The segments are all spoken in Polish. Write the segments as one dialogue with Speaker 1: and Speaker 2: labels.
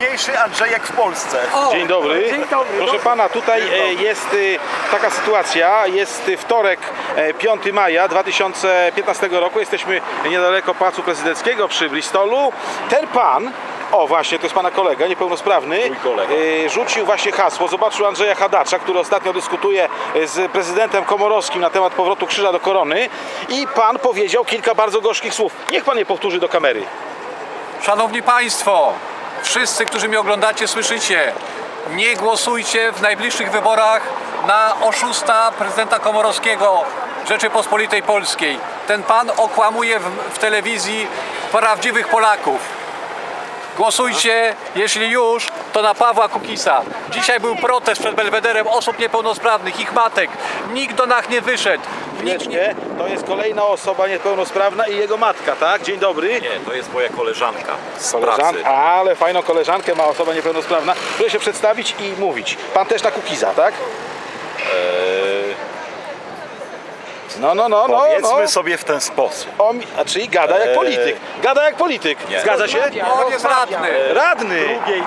Speaker 1: Mniejszy Andrzejek w Polsce.
Speaker 2: Dzień dobry.
Speaker 3: Dzień dobry.
Speaker 2: Proszę pana, tutaj jest taka sytuacja. Jest wtorek, 5 maja 2015 roku. Jesteśmy niedaleko Pałacu Prezydenckiego przy Bristolu. Ten pan, o właśnie, to jest pana kolega, niepełnosprawny,
Speaker 1: Mój kolega.
Speaker 2: rzucił właśnie hasło. Zobaczył Andrzeja Hadacza, który ostatnio dyskutuje z prezydentem Komorowskim na temat powrotu krzyża do korony. I pan powiedział kilka bardzo gorzkich słów. Niech pan je powtórzy do kamery.
Speaker 3: Szanowni Państwo, wszyscy, którzy mnie oglądacie, słyszycie, nie głosujcie w najbliższych wyborach na oszusta prezydenta Komorowskiego Rzeczypospolitej Polskiej. Ten pan okłamuje w telewizji prawdziwych Polaków. Głosujcie, jeśli już, to na Pawła Kukisa. Dzisiaj był protest przed Belwederem osób niepełnosprawnych, ich matek. Nikt do nas nie wyszedł. Nikt nie...
Speaker 2: Nie, to jest kolejna osoba niepełnosprawna i jego matka, tak? Dzień dobry.
Speaker 1: Nie, to jest moja koleżanka z
Speaker 2: Koleżan...
Speaker 1: pracy.
Speaker 2: Ale fajną koleżankę ma osoba niepełnosprawna. Proszę się przedstawić i mówić. Pan też na Kukiza, tak? No.
Speaker 1: Powiedzmy sobie w ten sposób.
Speaker 2: Czyli gada jak polityk. Gada jak polityk.
Speaker 1: Nie.
Speaker 2: Zgadza się?
Speaker 3: On jest radny.
Speaker 2: Radny.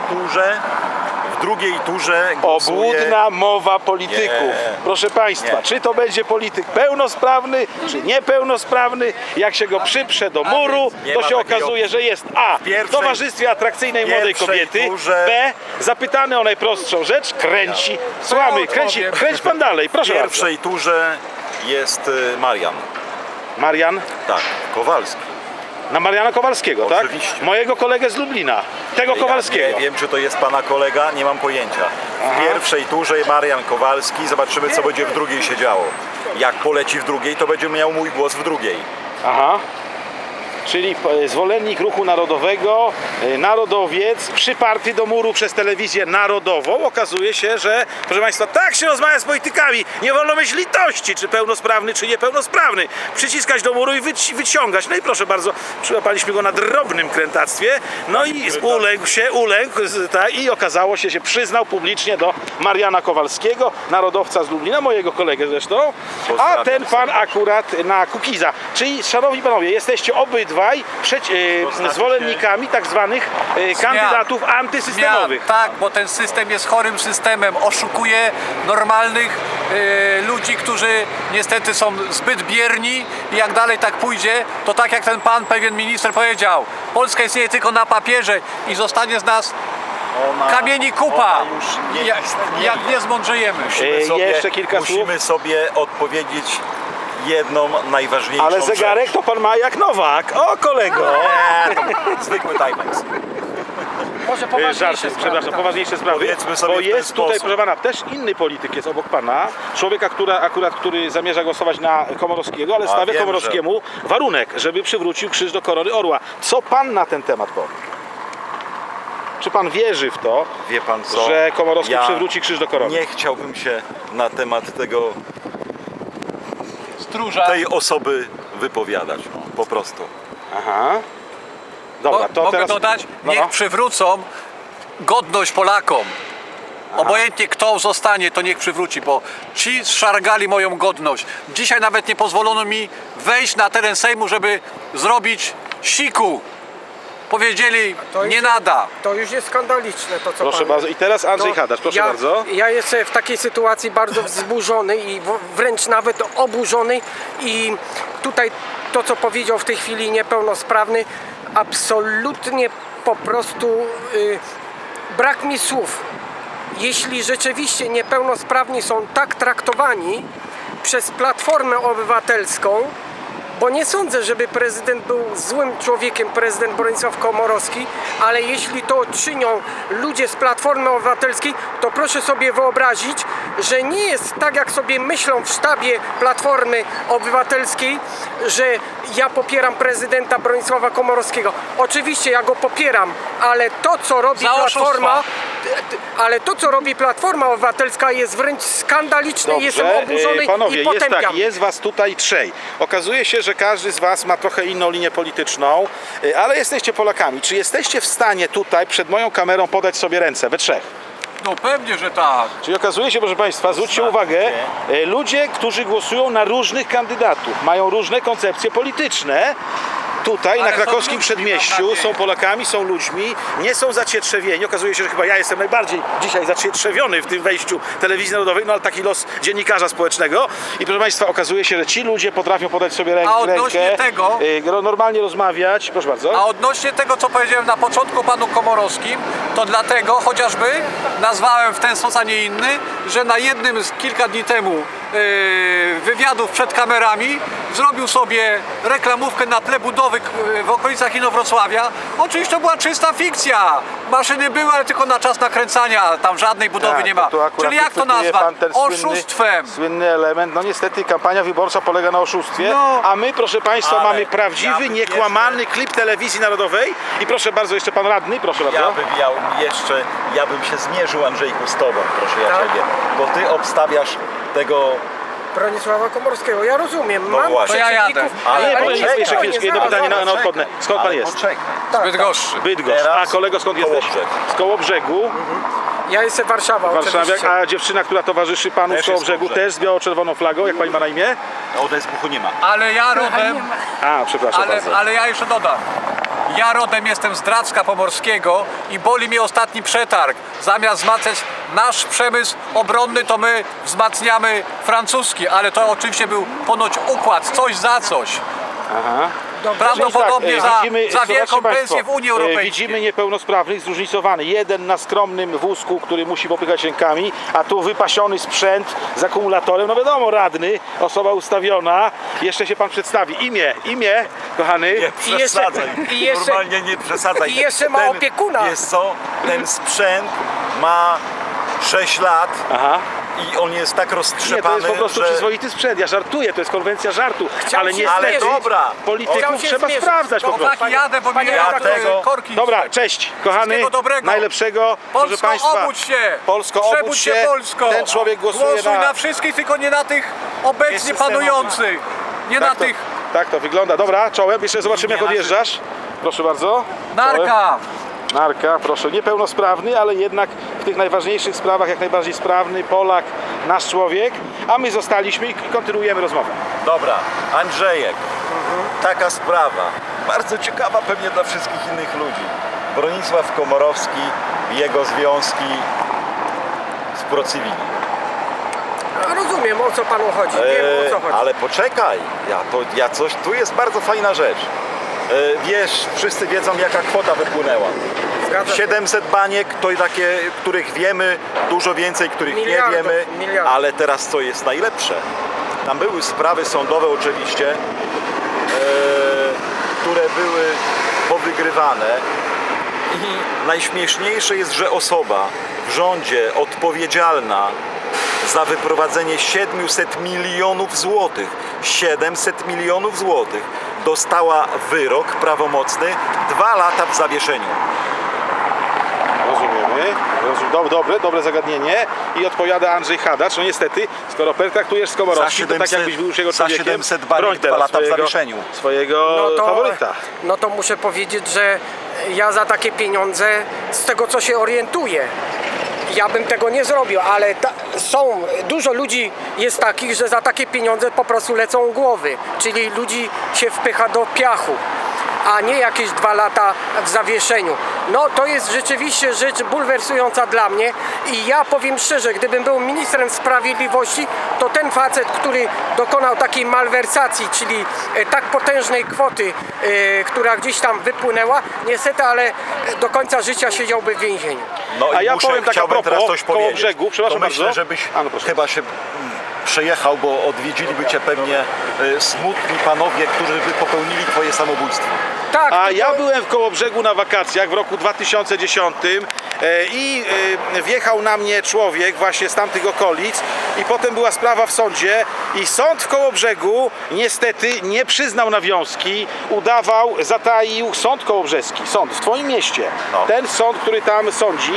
Speaker 1: W drugiej turze głosuje...
Speaker 2: Obłudna mowa polityków.
Speaker 1: Nie.
Speaker 2: Proszę Państwa,
Speaker 1: Nie.
Speaker 2: czy to będzie polityk pełnosprawny, czy niepełnosprawny, jak się go przyprze do muru,
Speaker 1: Nie
Speaker 2: to
Speaker 1: ma
Speaker 2: się
Speaker 1: takiej
Speaker 2: okazuje, że jest A. W
Speaker 1: pierwszej-
Speaker 2: towarzystwie atrakcyjnej młodej
Speaker 1: pierwszej
Speaker 2: kobiety,
Speaker 1: turze-
Speaker 2: B. Zapytany o najprostszą rzecz, kręci. Słuchamy, kręć pan dalej,
Speaker 1: W
Speaker 2: proszę
Speaker 1: pierwszej turze jest Marian.
Speaker 2: bardzo. Marian?
Speaker 1: Tak, Kowalski.
Speaker 2: Na Mariana Kowalskiego, tak?
Speaker 1: Oczywiście.
Speaker 2: Mojego kolegę z Lublina. Tego Kowalskiego.
Speaker 1: Ja nie wiem, czy to jest pana kolega, nie mam pojęcia. W pierwszej turze Marian Kowalski, zobaczymy, co będzie w drugiej się działo. Jak poleci w drugiej, to będzie miał mój głos w drugiej.
Speaker 2: Aha. Czyli zwolennik ruchu narodowego, narodowiec, przyparty do muru przez telewizję narodową. Okazuje się, że, proszę Państwa, tak się rozmawia z politykami. Nie wolno mieć litości, czy pełnosprawny, czy niepełnosprawny. Przyciskać do muru i wyciągać. No i proszę bardzo, przyłapaliśmy go na drobnym krętactwie. No i uległ tak, i okazało się, przyznał publicznie do Mariana Kowalskiego, narodowca z Lublina, mojego kolegę zresztą. A
Speaker 1: Pozdrawiam
Speaker 2: ten pan akurat na Kukiza. Czyli, szanowni panowie, jesteście obydwaj zwolennikami tak zwanych kandydatów antysystemowych.
Speaker 3: Zmian, tak, bo ten system jest chorym systemem. Oszukuje normalnych ludzi, którzy niestety są zbyt bierni i jak dalej tak pójdzie, to tak jak ten pan, pewien minister powiedział, Polska istnieje tylko na papierze i zostanie z nas kamieni kupa,
Speaker 1: Ona już nie istnieje.
Speaker 3: jak nie zmądrzejemy.
Speaker 2: Jeszcze kilka
Speaker 1: musimy sobie odpowiedzieć jedną najważniejszą
Speaker 2: Ale zegarek to pan ma jak Nowak. O, kolego!
Speaker 1: rzecz. Nie, zwykły Timex.
Speaker 4: Może poważniejsze
Speaker 2: Przepraszam, poważniejsze sprawy.
Speaker 1: Powiedzmy sobie
Speaker 2: Bo
Speaker 1: w ten
Speaker 2: jest tutaj,
Speaker 1: sposób.
Speaker 2: proszę pana, też inny polityk jest obok pana. Człowieka, który zamierza głosować na Komorowskiego, ale stawia
Speaker 1: wiem,
Speaker 2: Komorowskiemu warunek, żeby przywrócił krzyż do korony orła. Co pan na ten temat powie? Czy pan wierzy w to,
Speaker 1: Wie pan co?
Speaker 2: że Komorowski przywróci krzyż do korony?
Speaker 1: Nie chciałbym się na temat
Speaker 3: Stróża.
Speaker 1: tej osoby wypowiadać. Po prostu.
Speaker 2: Aha. Dobra, to
Speaker 3: Mogę
Speaker 2: teraz...
Speaker 3: dodać,
Speaker 2: No,
Speaker 3: niech
Speaker 2: no.
Speaker 3: przywrócą godność Polakom. Obojętnie kto zostanie, to niech przywróci, bo ci zszargali moją godność. Dzisiaj nawet nie pozwolono mi wejść na teren Sejmu, żeby zrobić siku. Powiedzieli,
Speaker 4: To
Speaker 3: nie
Speaker 4: już-
Speaker 3: nada.
Speaker 4: To już jest skandaliczne to, co
Speaker 2: Proszę
Speaker 4: pan...
Speaker 2: bardzo. I teraz Andrzej
Speaker 4: No,
Speaker 2: Hadacz, proszę
Speaker 4: ja,
Speaker 2: bardzo.
Speaker 4: Ja jestem w takiej sytuacji bardzo wzburzony i wręcz nawet oburzony i tutaj to, co powiedział w tej chwili niepełnosprawny, absolutnie po prostu brak mi słów. Jeśli rzeczywiście niepełnosprawni są tak traktowani przez Platformę Obywatelską, bo nie sądzę, żeby prezydent był złym człowiekiem, prezydent Bronisław Komorowski, ale jeśli to czynią ludzie z Platformy Obywatelskiej, to proszę sobie wyobrazić, że nie jest tak, jak sobie myślą w sztabie Platformy Obywatelskiej, że ja popieram prezydenta Bronisława Komorowskiego. Oczywiście ja go popieram, ale to, co robi
Speaker 3: Za oszustwa.
Speaker 4: Platforma, ale to, co robi Platforma Obywatelska, jest wręcz skandaliczne. Jestem oburzony
Speaker 2: panowie,
Speaker 4: i
Speaker 2: jest
Speaker 4: potępiam.
Speaker 2: tak, jest was tutaj trzej. Okazuje się, że każdy z was ma trochę inną linię polityczną, ale jesteście Polakami. Czy jesteście w stanie tutaj przed moją kamerą podać sobie ręce, we trzech?
Speaker 3: No pewnie, że tak.
Speaker 2: Czyli okazuje się, proszę Państwa, zwróćcie uwagę, ludzie, którzy głosują na różnych kandydatów, mają różne koncepcje polityczne, tutaj
Speaker 3: Ale
Speaker 2: na
Speaker 3: są
Speaker 2: krakowskim
Speaker 3: ludźmi,
Speaker 2: przedmieściu,
Speaker 3: mam
Speaker 2: są Polakami, są ludźmi, nie są zacietrzewieni. Okazuje się, że chyba ja jestem najbardziej dzisiaj zacietrzewiony w tym wejściu telewizji narodowej, no ale taki los dziennikarza społecznego. I proszę Państwa, okazuje się, że ci ludzie potrafią podać sobie
Speaker 3: A odnośnie
Speaker 2: rękę,
Speaker 3: tego-
Speaker 2: normalnie rozmawiać. Proszę bardzo.
Speaker 3: A odnośnie tego, co powiedziałem na początku panu Komorowskim, to dlatego chociażby nazwałem w ten sposób, a nie inny, że na jednym z kilka dni temu wywiadów przed kamerami zrobił sobie reklamówkę na tle budowy w okolicach Inowrocławia. Oczywiście to była czysta fikcja. Maszyny były, ale tylko na czas nakręcania. Tam żadnej budowy
Speaker 2: Tak,
Speaker 3: nie ma.
Speaker 2: to akurat
Speaker 3: Czyli jak to
Speaker 2: wychwytuje
Speaker 3: nazwać?
Speaker 2: pan ten
Speaker 3: Oszustwem.
Speaker 2: Słynny element. No niestety kampania wyborcza polega na oszustwie,
Speaker 3: No.
Speaker 2: a my, proszę Państwa,
Speaker 1: Ale
Speaker 2: mamy
Speaker 1: ja
Speaker 2: prawdziwy,
Speaker 1: bym
Speaker 2: niekłamany klip telewizji narodowej. I proszę bardzo, jeszcze pan radny, proszę bardzo.
Speaker 1: Ja bym się zmierzył, Andrzejku, z tobą, proszę ja
Speaker 4: Tak?
Speaker 1: ciebie, bo ty obstawiasz tego.
Speaker 4: Bronisława Komorowskiego. Ja rozumiem,
Speaker 1: No
Speaker 4: mam
Speaker 1: właśnie.
Speaker 3: To ja jadę.
Speaker 4: przeciwników,
Speaker 1: Ale
Speaker 2: Nie,
Speaker 1: ale
Speaker 2: proszę,
Speaker 1: czekaj,
Speaker 2: jeszcze chwileczkę, jedno pytanie na odpowiednie. Skąd pan
Speaker 1: Ale
Speaker 2: jest?
Speaker 1: poczekaj.
Speaker 3: Bydgoszczy.
Speaker 2: Bydgoszcz.
Speaker 1: Teraz
Speaker 2: A kolego, skąd jesteś?
Speaker 1: Kołobrzeg.
Speaker 2: Z Kołobrzegu.
Speaker 4: Ja jestem Warszawa,
Speaker 2: Warszawiak.
Speaker 4: oczywiście.
Speaker 2: A dziewczyna, która towarzyszy panu
Speaker 1: Też
Speaker 2: z
Speaker 1: jest
Speaker 2: Kołobrzegu,
Speaker 1: Kołobrzeg.
Speaker 2: też z biało-czerwoną flagą. Jak pani ma na imię?
Speaker 1: Odezbuchu nie ma.
Speaker 3: Ale ja rodem...
Speaker 2: A, przepraszam bardzo.
Speaker 3: Ale ja jeszcze dodam. Ja rodem jestem z Dracka Pomorskiego i boli mnie ostatni przetarg. Zamiast wzmacniać nasz przemysł obronny, to my wzmacniamy francuski, ale to oczywiście był ponoć układ, coś za coś.
Speaker 2: Aha.
Speaker 3: Prawdopodobnie za
Speaker 2: zobaczcie
Speaker 3: wielką
Speaker 2: państwo,
Speaker 3: pensję w Unii Europejskiej.
Speaker 2: Widzimy niepełnosprawnych zróżnicowany. Jeden na skromnym wózku, który musi popychać rękami, a tu wypasiony sprzęt z akumulatorem. No wiadomo, radny, osoba ustawiona. Jeszcze się pan przedstawi. Imię, kochany.
Speaker 1: Nie przesadzaj.
Speaker 4: i jeszcze-
Speaker 1: Normalnie nie przesadzaj.
Speaker 4: i jeszcze ma opiekuna.
Speaker 1: Wiesz co, ten sprzęt ma 6 lat
Speaker 2: Aha.
Speaker 1: i on jest tak
Speaker 2: Nie,
Speaker 1: roztrzepany,
Speaker 2: to jest po prostu
Speaker 1: że...
Speaker 2: przyzwoity sprzęt. Ja żartuję, to jest konwencja żartu.
Speaker 4: Chciał
Speaker 2: Ale
Speaker 4: się
Speaker 2: niestety
Speaker 4: zmierzyć.
Speaker 1: dobra.
Speaker 4: Chciał
Speaker 2: polityków
Speaker 4: się
Speaker 2: trzeba
Speaker 4: zmierzyć.
Speaker 2: sprawdzać po prostu.
Speaker 3: Chłopaki, jadę, bo
Speaker 4: Panie
Speaker 3: mnie
Speaker 1: redaktorze.
Speaker 3: korki.
Speaker 2: Dobra, cześć, kochany,
Speaker 3: Wszystkiego dobrego.
Speaker 2: najlepszego, proszę
Speaker 3: Polsko,
Speaker 2: Państwa.
Speaker 3: obudź się!
Speaker 2: Polsko, obudź
Speaker 3: Przebudź
Speaker 2: się.
Speaker 3: Polsko!
Speaker 2: Ten człowiek głosuje
Speaker 3: Głosuj
Speaker 2: na...
Speaker 3: na wszystkich, tylko nie na tych obecnie
Speaker 1: Jest systemowy.
Speaker 3: panujących. Nie na tych...
Speaker 2: Tak to wygląda. Dobra, czołem. Jeszcze zobaczymy, jak
Speaker 1: Nie,
Speaker 2: odjeżdżasz. Proszę bardzo. Czołem.
Speaker 3: Narka!
Speaker 2: Narka, proszę. Niepełnosprawny, ale jednak w tych najważniejszych sprawach jak najbardziej sprawny Polak, nasz człowiek. A my zostaliśmy i kontynuujemy rozmowę.
Speaker 1: Dobra, Andrzejek, taka sprawa, bardzo ciekawa pewnie dla wszystkich innych ludzi. Bronisław Komorowski, jego związki z Procivili.
Speaker 4: Rozumiem, o co panu chodzi. Wiem, o co chodzi.
Speaker 1: Ale poczekaj, tu jest bardzo fajna rzecz. Wiesz, wszyscy wiedzą, jaka kwota wypłynęła.
Speaker 4: Zgadza się.
Speaker 1: 700 baniek to takie, których wiemy, dużo więcej, których
Speaker 4: Miliardów,
Speaker 1: nie wiemy,
Speaker 4: miliardów.
Speaker 1: ale teraz co jest najlepsze? Tam były sprawy sądowe oczywiście, które były powygrywane i najśmieszniejsze jest, że osoba w rządzie odpowiedzialna za wyprowadzenie 700 milionów złotych, 700 milionów złotych, dostała wyrok prawomocny 2 lata w zawieszeniu.
Speaker 2: Rozumiemy. Dobre zagadnienie. I odpowiada Andrzej Hadacz. No niestety, skoro pertraktujesz z Komorowskim, to tak jakbyś był już jego
Speaker 1: za
Speaker 2: człowiekiem.
Speaker 1: 700 baniek,
Speaker 2: broń
Speaker 1: 2
Speaker 2: teraz
Speaker 1: lata w zawieszeniu.
Speaker 2: swojego faworyta.
Speaker 4: No to muszę powiedzieć, że ja za takie pieniądze, z tego co się orientuję, ja bym tego nie zrobił, ale dużo ludzi jest takich, że za takie pieniądze po prostu lecą głowy, czyli ludzi się wpycha do piachu, a nie jakieś 2 lata w zawieszeniu. No to jest rzeczywiście rzecz bulwersująca dla mnie i ja powiem szczerze, gdybym był ministrem sprawiedliwości, to ten facet, który dokonał takiej malwersacji, czyli tak potężnej kwoty, która gdzieś tam wypłynęła, niestety, ale do końca życia siedziałby w więzieniu.
Speaker 1: No
Speaker 2: A
Speaker 1: i
Speaker 2: ja powiem tak a
Speaker 1: chciałbym
Speaker 2: propos,
Speaker 1: teraz coś
Speaker 2: koło
Speaker 1: powiedzieć.
Speaker 2: brzegu, przepraszam
Speaker 1: to myślę,
Speaker 2: bardzo.
Speaker 1: żebyś
Speaker 2: A, no proszę.
Speaker 1: chyba się przejechał, bo odwiedziliby cię pewnie smutni panowie, którzy by popełnili twoje samobójstwo.
Speaker 4: Tak,
Speaker 2: A
Speaker 4: tylko-
Speaker 2: ja byłem w Kołobrzegu na wakacjach w roku 2010 i wjechał na mnie człowiek właśnie z tamtych okolic i potem była sprawa w sądzie i sąd w Kołobrzegu niestety nie przyznał nawiązki, zataił sąd kołobrzeski, sąd w twoim mieście.
Speaker 1: No.
Speaker 2: Ten sąd, który tam sądzi,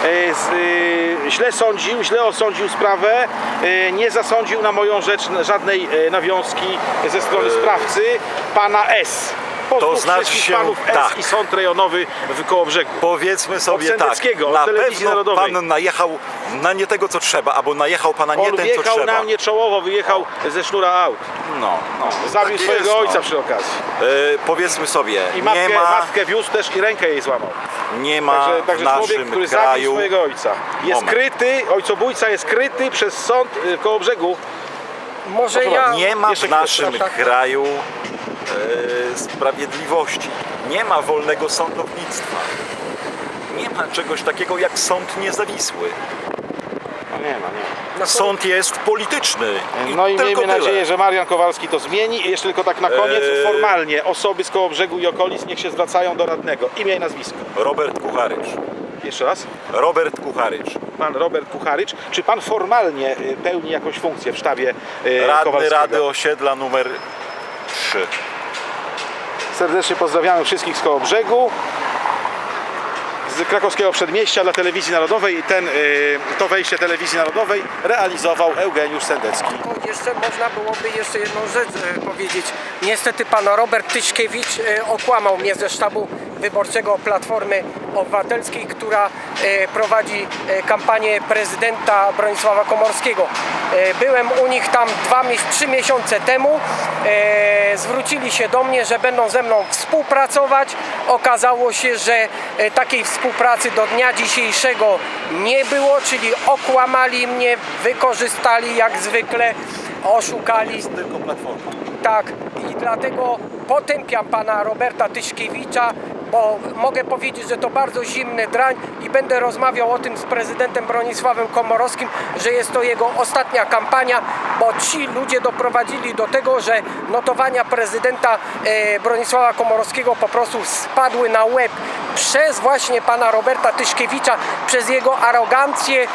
Speaker 2: źle osądził sprawę, nie zasądził na moją rzecz żadnej nawiązki ze strony sprawcy, pana S. Pozdrów
Speaker 1: znaczy
Speaker 2: wszystkich
Speaker 1: się,
Speaker 2: panów S
Speaker 1: tak.
Speaker 2: i Sąd Rejonowy w Kołobrzegu.
Speaker 1: Powiedzmy sobie tak,
Speaker 2: Sendeckiego, od
Speaker 1: na
Speaker 2: Telewizji
Speaker 1: pewno
Speaker 2: Narodowej.
Speaker 1: pan najechał na nie tego, co trzeba, albo najechał pana nie
Speaker 2: On
Speaker 1: ten, co
Speaker 2: wjechał
Speaker 1: trzeba.
Speaker 2: na mnie czołowo, wyjechał ze sznura aut.
Speaker 1: No.
Speaker 2: Zabił
Speaker 1: Tak
Speaker 2: swojego
Speaker 1: jest,
Speaker 2: ojca
Speaker 1: no.
Speaker 2: przy okazji.
Speaker 1: Powiedzmy sobie,
Speaker 2: I
Speaker 1: nie
Speaker 2: matkę wiózł też i rękę jej złamał.
Speaker 1: ma
Speaker 2: Także
Speaker 1: w
Speaker 2: człowiek,
Speaker 1: naszym
Speaker 2: który zabił
Speaker 1: kraju,
Speaker 2: swojego ojca. Jest
Speaker 1: Moment.
Speaker 2: kryty, ojcobójca jest kryty przez sąd w Kołobrzegu.
Speaker 4: Może
Speaker 2: Proszę
Speaker 4: ja...
Speaker 2: bardzo,
Speaker 1: nie ma
Speaker 2: Jeszcze
Speaker 1: w naszym
Speaker 4: chwilę, tak.
Speaker 1: kraju sprawiedliwości. Nie ma wolnego sądownictwa. Nie ma czegoś takiego jak sąd niezawisły.
Speaker 2: No nie ma.
Speaker 4: No,
Speaker 1: Sąd jest polityczny.
Speaker 2: No i
Speaker 1: tylko
Speaker 2: miejmy
Speaker 1: tyle.
Speaker 2: nadzieję, że Marian Kowalski to zmieni. I jeszcze tylko tak na koniec,
Speaker 1: Eee.
Speaker 2: formalnie osoby z Kołobrzegu i okolic niech się zwracają do radnego. Imię i nazwisko.
Speaker 1: Robert Kucharycz.
Speaker 2: Jeszcze raz.
Speaker 1: Robert Kucharycz.
Speaker 2: Pan Robert Kucharycz. Czy pan formalnie pełni jakąś funkcję w sztabie
Speaker 1: Radny
Speaker 2: Kowalskiego?
Speaker 1: Rady Osiedla numer 3.
Speaker 2: Serdecznie pozdrawiamy wszystkich z Kołobrzegu, z krakowskiego przedmieścia dla Telewizji Narodowej i to wejście Telewizji Narodowej realizował Eugeniusz Sendecki.
Speaker 4: Jeszcze można byłoby jeszcze jedną rzecz powiedzieć. Niestety pan Robert Tyszkiewicz okłamał mnie ze sztabu wyborczego Platformy Obywatelskiej, która prowadzi kampanię prezydenta Bronisława Komorowskiego. Byłem u nich tam 3 miesiące temu. Zwrócili się do mnie, że będą ze mną współpracować. Okazało się, że takiej współpracy do dnia dzisiejszego nie było, czyli okłamali mnie, wykorzystali jak zwykle, oszukali.
Speaker 1: Tylko Platforma.
Speaker 4: Tak, i dlatego potępiam pana Roberta Tyszkiewicza, bo mogę powiedzieć, że to bardzo zimny drań i będę rozmawiał o tym z prezydentem Bronisławem Komorowskim, że jest to jego ostatnia kampania, bo ci ludzie doprowadzili do tego, że notowania prezydenta Bronisława Komorowskiego po prostu spadły na łeb przez właśnie pana Roberta Tyszkiewicza, przez jego arogancję,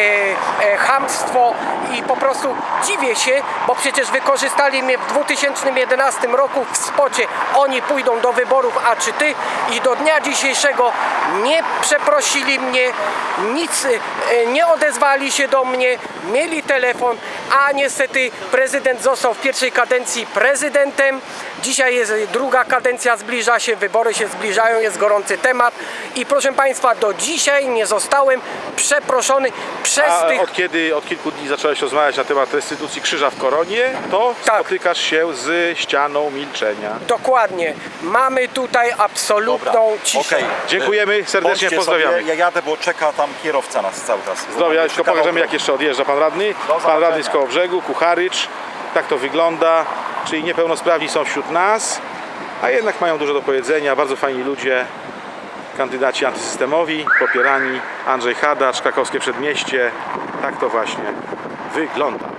Speaker 4: chamstwo i po prostu dziwię się, bo przecież wykorzystali mnie w 2011 roku w spocie oni pójdą do wyborów, a czy ty? I do dnia dzisiejszego nie przeprosili mnie, nic nie odezwali się do mnie, mieli telefon, a niestety prezydent został w pierwszej kadencji prezydentem. Dzisiaj jest druga kadencja, zbliża się, wybory się zbliżają, jest gorący temat i proszę państwa, do dzisiaj nie zostałem przeproszony przez
Speaker 2: A
Speaker 4: tych...
Speaker 2: od kilku dni zacząłeś rozmawiać na temat restytucji krzyża w Koronie, to
Speaker 4: Tak.
Speaker 2: spotykasz się z ścianą milczenia.
Speaker 4: Dokładnie. Mamy tutaj absolutną ciszę.
Speaker 1: okej.
Speaker 2: Dziękujemy, serdecznie
Speaker 1: Bądźcie
Speaker 2: pozdrawiamy.
Speaker 1: Sobie, ja jadę, bo czeka tam kierowca nas cały czas.
Speaker 2: Zdrowia, tylko
Speaker 1: Czeka
Speaker 2: pokażemy
Speaker 1: w
Speaker 2: jak jeszcze odjeżdża pan radny. Pan
Speaker 1: zobaczenia.
Speaker 2: radny z Kołobrzegu, Kucharycz. Tak to wygląda. Czyli niepełnosprawni są wśród nas, a jednak mają dużo do powiedzenia. Bardzo fajni ludzie. Kandydaci antysystemowi, popierani. Andrzej Hadacz, krakowskie przedmieście. Tak to właśnie wygląda.